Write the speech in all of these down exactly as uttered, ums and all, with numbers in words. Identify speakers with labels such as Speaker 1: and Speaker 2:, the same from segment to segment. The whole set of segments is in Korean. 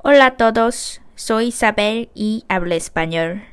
Speaker 1: Hola a todos, soy Isabel y hablo español.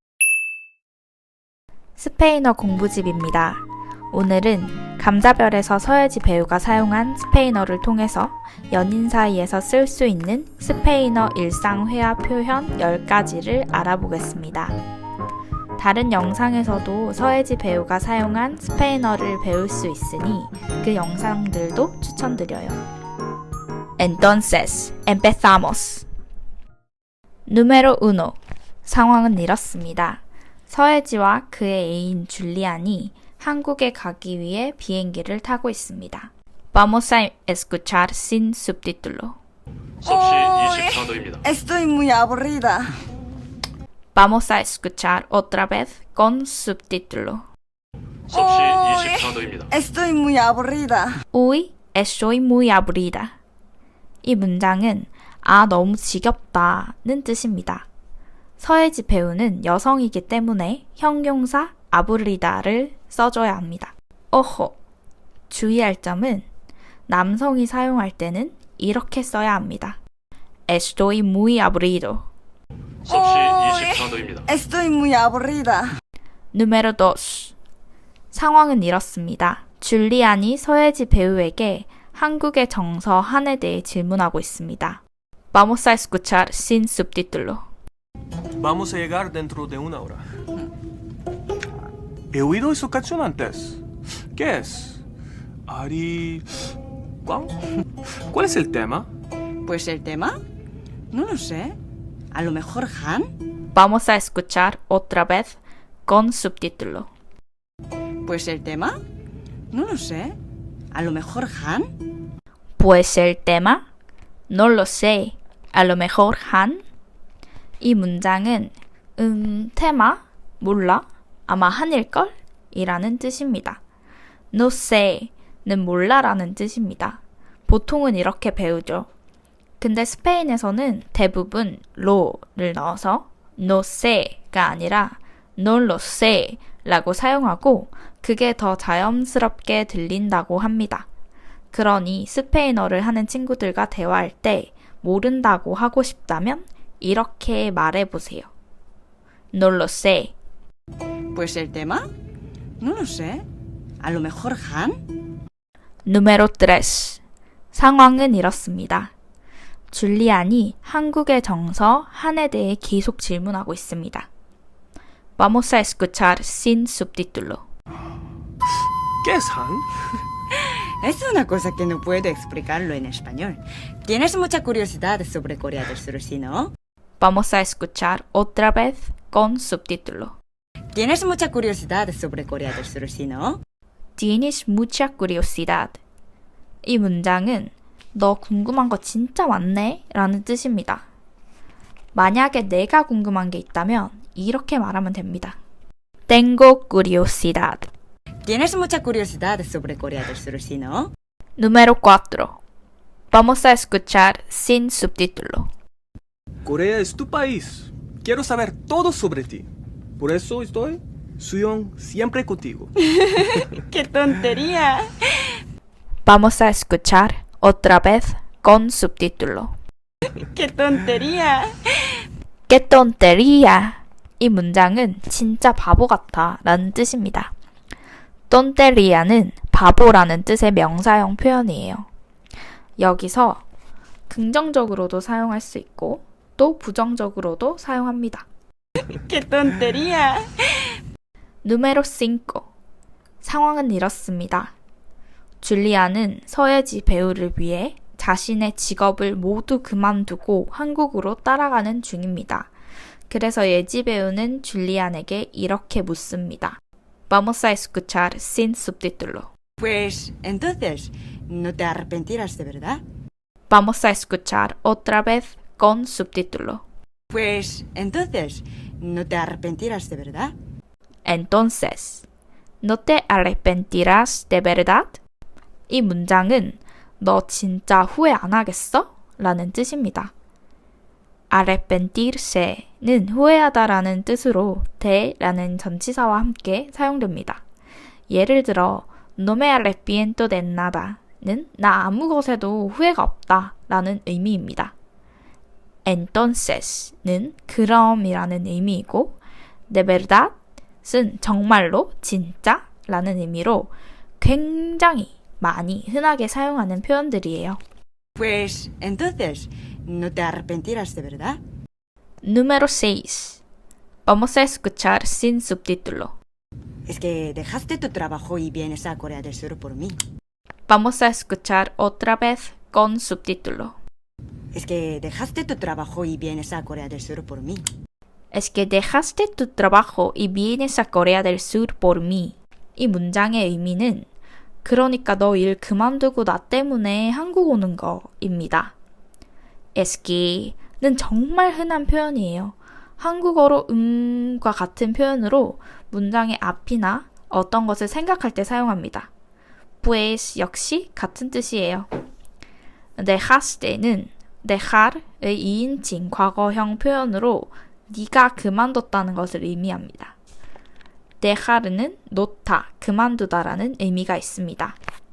Speaker 1: 스페인어 공부집입니다. 오늘은 감자별에서 서예지 배우가 사용한 스페인어를 통해서 연인 사이에서 쓸 수 있는 스페인어 일상 회화 표현 열 가지를 알아보겠습니다. 다른 영상에서도 서예지 배우가 사용한 스페인어를 배울 수 있으니 그 영상들도 추천드려요. Entonces, empezamos. Número uno. 상황은 이렇습니다. 서예지와 그의 애인 줄리안이 한국에 가기 위해 비행기를 타고 있습니다. Vamos a escuchar sin subtítulo.
Speaker 2: 섭씨 이십사 도입니다.
Speaker 3: Estoy muy aburrida.
Speaker 1: Vamos a escuchar otra vez con subtítulo.
Speaker 2: 섭씨 이십사 도입니다.
Speaker 3: Estoy muy aburrida.
Speaker 1: Uy, estoy muy aburrida. 이 문장은 아 너무 지겹다는 뜻입니다. 서예지 배우는 여성이기 때문에 형용사 아부리다를 써줘야 합니다. 오호! 주의할 점은 남성이 사용할 때는 이렇게 써야 합니다. Estoy muy aburrido.
Speaker 2: 섭씨 이십사 도입니다.
Speaker 3: Estoy muy aburrida.
Speaker 1: Número dos. 상황은 이렇습니다. 줄리안이 서예지 배우에게 한국의 정서 한에 대해 질문하고 있습니다. Vamos a escuchar sin subtítulo.
Speaker 4: Vamos a llegar dentro de una hora. He oído esa canción antes. ¿Qué es? Ari... ¿Cuál? ¿Cuál es el tema?
Speaker 3: Pues el tema, no lo sé. A lo mejor Han.
Speaker 1: Vamos a escuchar otra vez con subtítulo.
Speaker 3: Pues el tema, no lo sé. A lo mejor Han.
Speaker 1: Pues el tema, no lo sé. A lo mejor Han. 이 문장은 음, 테마, 몰라, 아마 한일걸? 이라는 뜻입니다. No sé는 몰라라는 뜻입니다. 보통은 이렇게 배우죠. 근데 스페인에서는 대부분 lo를 넣어서 no sé가 아니라 no lo sé 라고 사용하고 그게 더 자연스럽게 들린다고 합니다. 그러니 스페인어를 하는 친구들과 대화할 때 모른다고 하고 싶다면 이렇게 말해보세요. No lo sé.
Speaker 3: Pues el tema, no lo sé. A lo mejor Han.
Speaker 1: Número tres. 상황은 이렇습니다. 줄리안이 한국의 정서 한에 대해 계속 질문하고 있습니다. Vamos a escuchar sin subtítulo.
Speaker 4: ¿Qué es Han?
Speaker 3: Es una cosa que no puedo explicarlo en español. ¿Tienes mucha curiosidad sobre Corea del Sur, sí, no?
Speaker 1: Vamos a escuchar otra vez con subtítulo.
Speaker 3: ¿Tienes mucha curiosidad sobre Corea del Sur, sí, no?
Speaker 1: Tienes mucha curiosidad. 이 문장은 너 궁금한 거 진짜 많네? 라는 뜻입니다. 만약에 내가 궁금한 게 있다면 이렇게 말하면 됩니다. Tengo curiosidad.
Speaker 3: ¿Tienes mucha curiosidad sobre Corea del Sur, sí, no?
Speaker 1: Número cuatro. Vamos a escuchar sin subtítulo.
Speaker 4: Corea es tu país. Quiero saber todo sobre ti. Por eso estoy, Suyong, siempre contigo.
Speaker 3: ¡Qué tontería!
Speaker 1: Vamos a escuchar otra vez con subtítulo.
Speaker 3: ¡Qué tontería!
Speaker 1: ¡Qué tontería! 이 문장은 진짜 바보 같아 라는 뜻입니다. tonteria는 바보라는 뜻의 명사형 표현이에요. 여기서 긍정적으로도 사용할 수 있고 또 부정적으로도 사용합니다.
Speaker 3: ¡Qué tontería!
Speaker 1: Número cinco. 상황은 이렇습니다. 줄리아는 서예지 배우를 위해 자신의 직업을 모두 그만두고 한국으로 따라가는 중입니다. 그래서 예지 배우는 줄리안에게 이렇게 묻습니다. Vamos a escuchar sin subtítulo.
Speaker 3: Pues entonces, ¿no te arrepentirás de verdad?
Speaker 1: Vamos a escuchar otra vez con subtítulo.
Speaker 3: Pues entonces, ¿no te arrepentirás de verdad?
Speaker 1: Entonces, ¿no te arrepentirás de verdad? 이 문장은 너 진짜 후회 안 하겠어? 라는 뜻입니다. arrepentirse는 후회하다라는 뜻으로 de라는 전치사와 함께 사용됩니다. 예를 들어 no me arrepiento de nada는 나 아무 것에도 후회가 없다 라는 의미입니다. Entonces는 그럼이라는 의미이고 de verdad은 정말로 진짜 라는 의미로 굉장히 많이 흔하게 사용하는 표현들이에요.
Speaker 3: Pues entonces, ¿no te arrepentirás de verdad?
Speaker 1: Número seis. Vamos a escuchar sin subtítulo.
Speaker 3: Es que dejaste tu trabajo y vienes a Corea del Sur por mí.
Speaker 1: Vamos a escuchar otra vez con subtítulo.
Speaker 3: Es que dejaste tu trabajo y vienes a Corea del Sur por mí.
Speaker 1: Es que dejaste tu trabajo y vienes a Corea del Sur por mí. 이 문장의 의미는 그러니까 너 일 그만두고 나 때문에 한국 오는 거입니다. Es que는 정말 흔한 표현이에요. 한국어로 음과 같은 표현으로 문장의 앞이나 어떤 것을 생각할 때 사용합니다. Pues 역시 같은 뜻이에요. dejaste는 dejar의 이인칭 과거형 표현으로 네가 그만뒀다는 것을 의미합니다. dejar는 놓다, 그만두다라는 의미가 있습니다.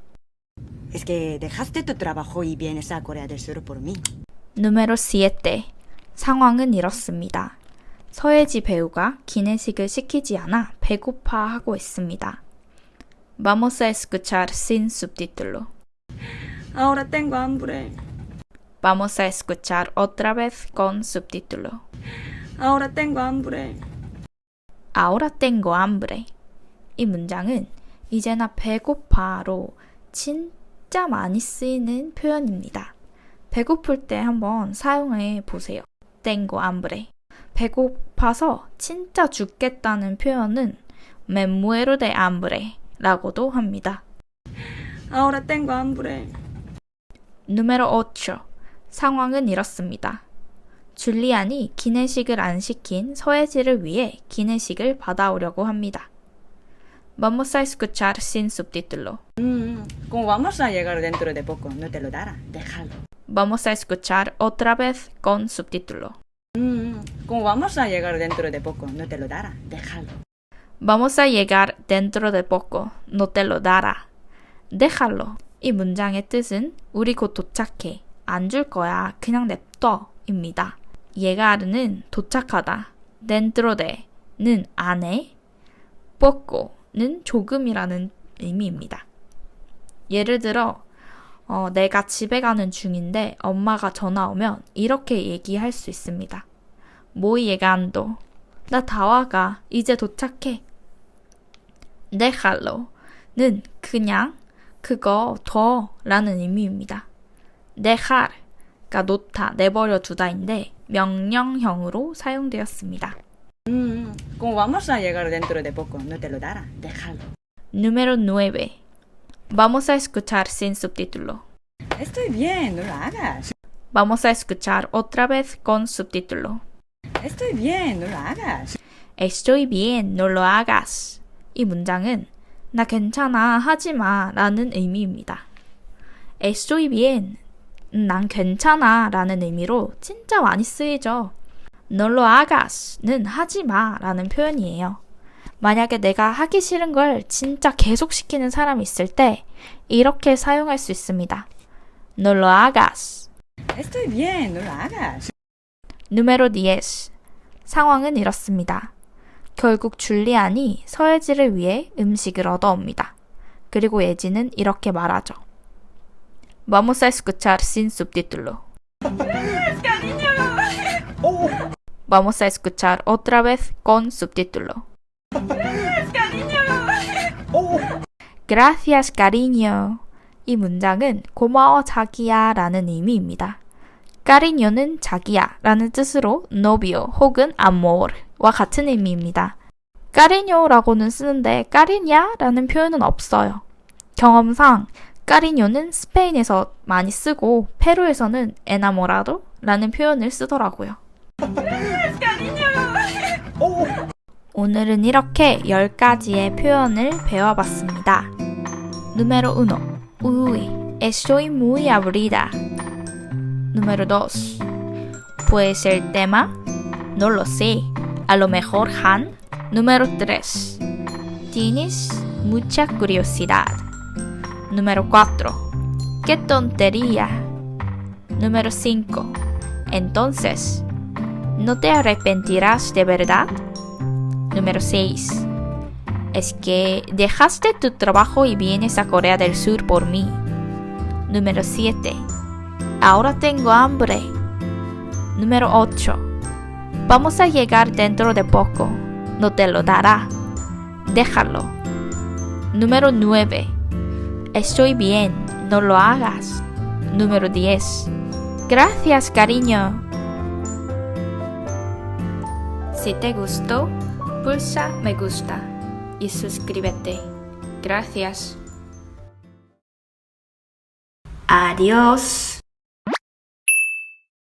Speaker 3: Es que dejaste tu trabajo y vienes a Corea del Sur por mí.
Speaker 1: Número siete. 상황은 이렇습니다. 서예지 배우가 기내식을 시키지 않아 배고파하고 있습니다. Vamos a escuchar sin subtítulo.
Speaker 3: Ahora tengo hambre.
Speaker 1: Vamos a escuchar otra vez con subtítulo.
Speaker 3: Ahora tengo hambre.
Speaker 1: Ahora tengo hambre. 이 문장은 이제 나 배고파로 진짜 많이 쓰이는 표현입니다. 배고플 때 한번 사용해 보세요. Tengo hambre. 배고파서 진짜 죽겠다는 표현은 Me muero de hambre 라고도 합니다.
Speaker 3: Ahora tengo hambre.
Speaker 1: Número ocho. 상황은 이렇습니다. 줄리안이 기내식을 안 시킨 서예지를 위해 기내식을 받아오려고 합니다. Vamos a escuchar sin subtítulo.
Speaker 3: Mm, como vamos a llegar dentro de poco, no te lo dará. Déjalo.
Speaker 1: Vamos a escuchar otra vez con subtítulo.
Speaker 3: Mm, como vamos a llegar dentro de poco, no te lo dará. Déjalo.
Speaker 1: Vamos a llegar dentro de poco. No te lo dará. Déjalo. 이 문장의 뜻은 우리 곧 도착해. 안 줄 거야. 그냥 냅둬. 입니다. llegar는 도착하다. dentro de는 안에. poco는 조금이라는 의미입니다. 예를 들어 어, 내가 집에 가는 중인데 엄마가 전화 오면 이렇게 얘기할 수 있습니다. Voy llegando. 나 다 와가. 이제 도착해. dejarlo는 그냥, 그거, 둬 라는 의미입니다. dejar가 놓다, 내버려 두다인데 명령형으로 사용되었습니다.
Speaker 3: Mm, como vamos a llegar dentro de poco, no te lo dará. Déjalo.
Speaker 1: Número nueve. Vamos a escuchar sin subtítulo.
Speaker 3: Estoy bien, no lo hagas.
Speaker 1: Vamos a escuchar otra vez con subtítulo.
Speaker 3: Estoy bien, no lo hagas.
Speaker 1: Estoy bien, no lo hagas. 이 문장은 나 괜찮아, 하지마 라는 의미입니다. Estoy bien, 난 괜찮아 라는 의미로 진짜 많이 쓰이죠. No lo hagas는 하지마 라는 표현이에요. 만약에 내가 하기 싫은 걸 진짜 계속 시키는 사람이 있을 때 이렇게 사용할 수 있습니다. No lo hagas.
Speaker 3: Estoy bien, no lo hagas.
Speaker 1: Número diez. 상황은 이렇습니다. 결국 줄리안이 서예지를 위해 음식을 얻어옵니다. 그리고 예지는 이렇게 말하죠. Vamos a escuchar sin subtítulo. Vamos a escuchar otra vez con subtítulo. Gracias, cariño. 이 문장은 고마워 자기야 라는 의미입니다. cariño는 자기야 라는 뜻으로 novio 혹은 amor와 같은 의미입니다. cariño라고는 쓰는데 cariña 라는 표현은 없어요. 경험상 cariño는 스페인에서 많이 쓰고 페루에서는 enamorado 라는 표현을 쓰더라고요. 오늘은 이렇게 열 가지의 표현을 배워봤습니다. Número uno. Uy, estoy muy aburrida. Número dos. Pues el tema, no lo sé. A lo mejor Han. Número tres. Tienes mucha curiosidad. Número cuatro. Qué tontería. Número cinco. Entonces, ¿no te arrepentirás de verdad? Número seis. Es que dejaste tu trabajo y vienes a Corea del Sur por mí. Número siete. Ahora tengo hambre. Número ocho. Vamos a llegar dentro de poco. No te lo dará. Déjalo. Número nueve. Estoy bien. No lo hagas. Número diez. Gracias, cariño. Si te gustó, pulsa me gusta y suscríbete. Gracias. Adiós.